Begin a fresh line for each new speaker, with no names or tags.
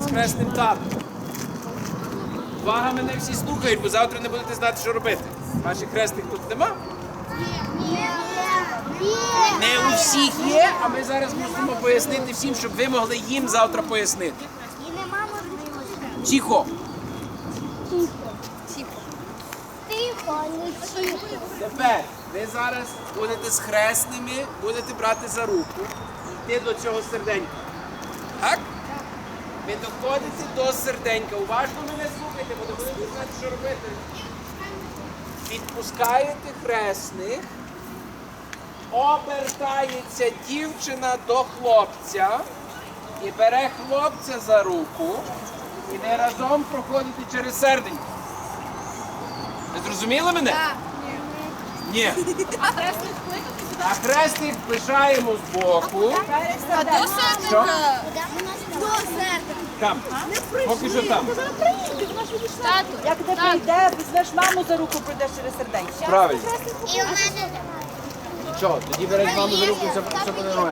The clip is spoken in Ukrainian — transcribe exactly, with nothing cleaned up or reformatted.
хресним татом. Увага, мене всі слухають, бо завтра не будете знати, що робити. Ваших хресних тут нема? Не у всіх є, а ми зараз мусимо пояснити всім, щоб ви могли їм завтра пояснити. Тихо.
Тихо, не тихо.
Тепер ви зараз будете з хресними, будете брати за руку і йти до цього серденька. Так? Ви доходите до серденька. Уважно мене слухайте, бо не будете знати, що робити. Відпускаєте хресних, обертається дівчина до хлопця і бере хлопця за руку, і ви разом проходите через серденько. Ви зрозуміли мене? Так. Ні.
А хресних кликати сюди?
А хресних лишаємо збоку.
А до серденька?
До серця.
Там. Поки що там.
Тату,
Як ти прийде, візьмеш маму за руку, прийдеш через серденько.
Правильно.
І у мене
Нічого, тоді береш маму за руку, і все все буде нормально.